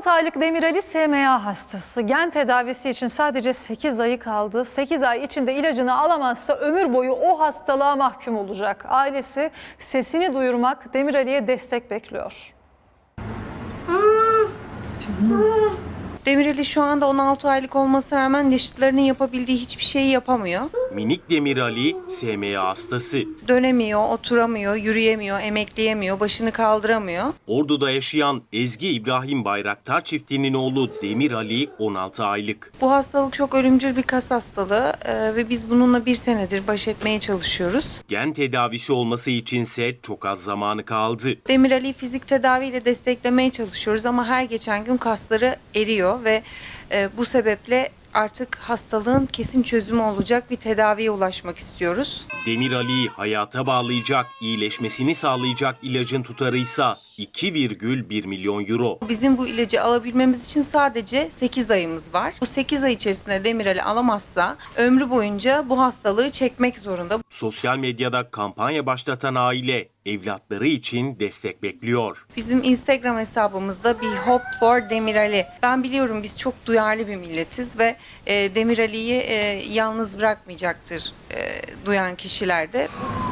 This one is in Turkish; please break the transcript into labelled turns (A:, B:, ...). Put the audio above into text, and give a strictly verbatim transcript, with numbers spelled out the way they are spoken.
A: altı aylık Demir Ali S M A hastası. Gen tedavisi için sadece sekiz ayı kaldı. sekiz ay içinde ilacını alamazsa ömür boyu o hastalığa mahkum olacak. Ailesi sesini duyurmak, Demir Ali'ye destek bekliyor.
B: Demir Ali şu anda on altı aylık olmasına rağmen yaşıtlarının yapabildiği hiçbir şeyi yapamıyor.
C: Minik Demir Ali S M A hastası.
B: Dönemiyor, oturamıyor, yürüyemiyor, emekleyemiyor, başını kaldıramıyor.
C: Ordu'da yaşayan Ezgi İbrahim Bayraktar çiftinin oğlu Demir Ali on altı aylık.
B: Bu hastalık çok ölümcül bir kas hastalığı e, ve biz bununla bir senedir baş etmeye çalışıyoruz.
C: Gen tedavisi olması içinse çok az zamanı kaldı.
B: Demir Ali'yi fizik tedaviyle desteklemeye çalışıyoruz ama her geçen gün kasları eriyor ve e, bu sebeple artık hastalığın kesin çözümü olacak bir tedaviye ulaşmak istiyoruz.
C: Demir Ali'yi hayata bağlayacak, iyileşmesini sağlayacak ilacın tutarıysa iki virgül bir milyon euro.
B: Bizim bu ilacı alabilmemiz için sadece sekiz ayımız var. Bu sekiz ay içerisinde Demir Ali alamazsa ömrü boyunca bu hastalığı çekmek zorunda.
C: Sosyal medyada kampanya başlatan aile evlatları için destek bekliyor.
B: Bizim Instagram hesabımızda bir Hope for Demir Ali. Ben biliyorum biz çok duyarlı bir milletiz ve e, Demir Ali'yi e, yalnız bırakmayacaktır e, duyan kişiler de.